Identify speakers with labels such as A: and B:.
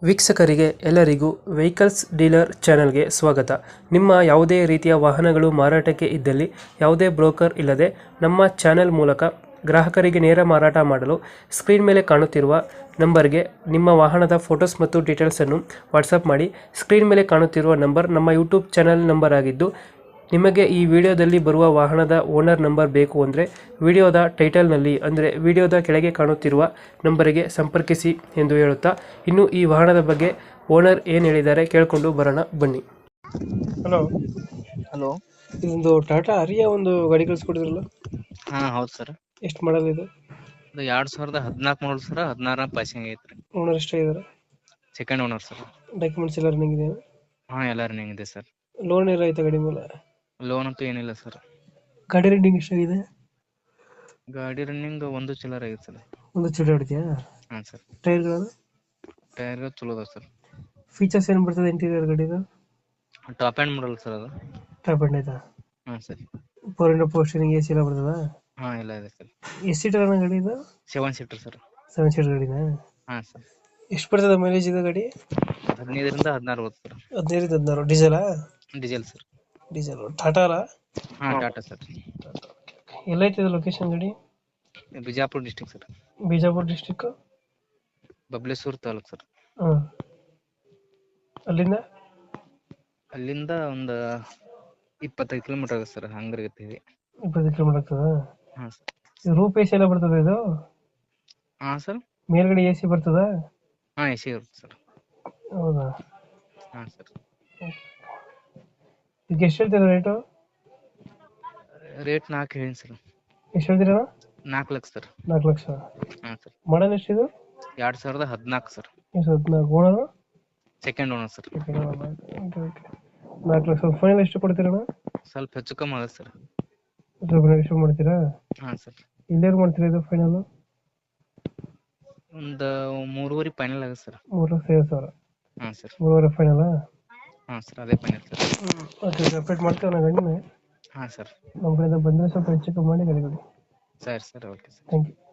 A: ವೀಕ್ಷಕರಿಗೆ ಎಲ್ಲರಿಗೂ vehicles dealer ಚಾನೆಲ್ಗೆ ಸ್ವಾಗತ. ನಿಮ್ಮ ಯಾವುದೇ ರೀತಿಯ ವಾಹನಗಳು ಮಾರಾಟಕ್ಕೆ ಇದ್ದಲ್ಲಿ ಯಾವುದೇ ಬ್ರೋಕರ್ ಇಲ್ಲದೆ ನಮ್ಮ ಚಾನೆಲ್ ಮೂಲಕ ಗ್ರಾಹಕರಿಗೆ ನೇರ ಮಾರಾಟ ಮಾಡಲು ಸ್ಕ್ರೀನ್ ಮೇಲೆ ಕಾಣುತ್ತಿರುವ ನಂಬರ್ಗೆ ನಿಮ್ಮ ವಾಹನದ ಫೋಟೋಸ್ ಮತ್ತು ಡೀಟೇಲ್ಸನ್ನು ವಾಟ್ಸಪ್ ಮಾಡಿ. ಸ್ಕ್ರೀನ್ ಮೇಲೆ ಕಾಣುತ್ತಿರುವ ನಂಬರ್ ನಮ್ಮ ಯೂಟ್ಯೂಬ್ ಚಾನೆಲ್ ನಂಬರ್ ಆಗಿದ್ದು, ನಿಮಗೆ ಈ ವಿಡಿಯೋದಲ್ಲಿ ಬರುವ ವಾಹನದ ಓನರ್ ನಂಬರ್ ಬೇಕು ಅಂದರೆ ವಿಡಿಯೋದ ಟೈಟಲ್ನಲ್ಲಿ ಅಂದರೆ ವಿಡಿಯೋದ ಕೆಳಗೆ ಕಾಣುತ್ತಿರುವ ನಂಬರಿಗೆ ಸಂಪರ್ಕಿಸಿ ಎಂದು ಹೇಳುತ್ತಾ, ಇನ್ನು ಈ ವಾಹನದ ಬಗ್ಗೆ ಓನರ್ ಏನು ಹೇಳಿದ್ದಾರೆ ಕೇಳಿಕೊಂಡು ಬರೋಣ ಬನ್ನಿ. Hello,
B: hello.
A: ಇದೊಂದು ಟಾಟಾ ಆರಿಯ ಒಂದು ಗಾಡಿ ಕಳಿಸ್ಕೊಡಿದ್ರಲ್ಲ,
B: ಹಾ ಹೌದು ಸರ್.
A: ಎಷ್ಟು ಮಾಡಲ್ ಇದು?
B: ಇದು 2014 ಮಾಡಲ್ ಸರ್. 16 ಪಾಸಿಂಗ್ ಐತ್ರಿ.
A: ಓನರ್ ಎಷ್ಟಾಗಿದ್ದಾರೆ?
B: Second owner sir.
A: ಡಾಕ್ಯುಮೆಂಟ್ಸ್ ಎಲ್ಲ ರನ್ನಿಂಗ್ ಇದೆ?
B: ಹಾ ಎಲ್ಲ ರನ್ನಿಂಗ್ ಇದೆ ಸರ್.
A: ಲೋನ್ ಎಲ್ಲ ಆಯ್ತಾ ಗಾಡಿ ಮೇಲೆ?
B: ಲೋನ್ ಅಂತೂ ಏನಿಲ್ಲ ಸರ್.
A: ಗಾಡಿ ರನ್ನಿಂಗ್ ಎಷ್ಟಾಗಿದೆ?
B: ಗಾಡಿ ರನ್ನಿಂಗ್ ಒಂದು ಚಿಲ್ಲರ್ ಆಗೈತೆ ಸರ್.
A: ಒಂದು ಚೂರು ಹೊಡಿದ್ಯಾ?
B: ಹಾ ಸರ್.
A: ಟೈರ್ಗಳು?
B: ಟೈರ್ ಚಲೋ ಅದ ಸರ್.
A: ಫೀಚರ್ಸ್ ಏನು ಬರ್ತದೆ ಇಂಟೀರಿಯರ್ ಗಾಡಿದು?
B: ಟಾಪ್ ಆ್ಯಂಡ್ ಮಾಡಲ್ ಸರ್ ಅದು.
A: ಟಾಪ್ ಎಂಡ್ ಆಯ್ತಾ?
B: ಹಾ sir.
A: Power window power steering A C ಎಲ್ಲ ಬರ್ತದ?
B: ಹಾ ಎಲ್ಲ ಇದೆ ಸರ್.
A: ಎಷ್ಟು ಸೀಟರ್ ಅನ್ನೋ ಗಾಡಿ ಇದು?
B: 7 ಸೀಟರ್ ಸರ್.
A: 7 ಸೀಟರ್ ಗಾಡಿನಾ?
B: ಹಾ ಸರ್.
A: ಎಷ್ಟು ಬರ್ತದೆ ಮೈಲೇಜ್ ಇದು ಗಾಡಿ?
B: 15ರಿಂದ 16 ಬರುತ್ತೆ ಸರ್.
A: 15-16. ಡೀಸೆಲಾ?
B: Diesel sir.
A: ಡೀಸೆಲ್. ಟಾಟಾ ಅಲ್ಲ?
B: ಹಾ ಟಾಟಾ ಸರ್.
A: ಎಲ್ಲೈತೆ ಇದು ಲೊಕೇಶನ್ ಗಾಡಿ?
B: Bijapur district sir.
A: Bijapur district?
B: Babaleshwar taluk sir.
A: ಹಾಂ. ಅಲ್ಲಿಂದ
B: ಅಲ್ಲಿಂದ ಒಂದು 25 ಕಿಲೋಮೀಟರ್ ಆಗುತ್ತೆ ಸರ್. ಹಂಗರ್ಗತ್ತೀವಿ.
A: 20 ಕಿಲೋಮೀಟರ್ ಆಗ್ತದ?
B: ಹಾ ಸರ್.
A: ಇದು ರೂಪ್ ಎ ಸಿ ಎಲ್ಲ ಬರ್ತದೆ ಇದು?
B: ಹಾ ಸರ್.
A: ಮೇಲ್ಗಡೆ ಎ ಸಿ ಬರ್ತದ?
B: ಹಾ ಎ ಸಿ ಇರುತ್ತೆ ಸರ್.
A: ಹೌದಾ?
B: ಹಾ ಸರ್.
A: ಈಗ ಎಷ್ಟು ಹೇಳ್ತೀರಾ ರೇಟು?
B: ರೇಟ್ 4 ಹೇಳಿ ಸರ್.
A: ಎಷ್ಟು ಹೇಳ್ತೀರಾ?
B: 4 ಲಕ್ಷ ಸರ್.
A: 4 ಲಕ್ಷ.
B: ಹಾ ಸರ್.
A: ಮಾಡಲ್ ಎಷ್ಟಿದು?
B: 2014 sir.
A: 14 owner?
B: Second owner sir.
A: 4 lakh. Final ಎಷ್ಟು ಕೊಡ್ತೀರಣ್ಣ?
B: ಸ್ವಲ್ಪ ಹೆಚ್ಚು ಕಮ್ಮಿ ಆಗುತ್ತೆ ಸರ್.
A: ಎಷ್ಟು ಮಾಡ್ತೀರಾ?
B: ಹಾ ಸರ್.
A: ಇಲ್ಲೇನು ಮಾಡ್ತೀರಾ ಇದು ಫೈನಲ್?
B: ಒಂದು 3.5 ಫೈನಲ್ ಆಗುತ್ತೆ ಸರ್.
A: 3,50,000.
B: ಹಾ ಸರ್.
A: 3.5 ಫೈನಲ್?
B: ಹಾ ಸರ್ ಅದೇ ಫೈನಲ್ ಸರ್.
A: ಓಕೆ, ಅಪ್ಡೇಟ್ ಮಾಡ್ತೀವಿ ನಾ ಗಾಡಿನ.
B: ಹಾ ಸರ್.
A: ನಮ್ಮ ಕಡೆಯಿಂದ ಬಂದರೆ ಸ್ವಲ್ಪ ಹೆಚ್ಚು ಕಮ್ಮಿ ಮಾಡಿ ಗಾಡಿ ಕೊಡಿ.
B: ಸರಿ sir okay sir.
A: Thank you.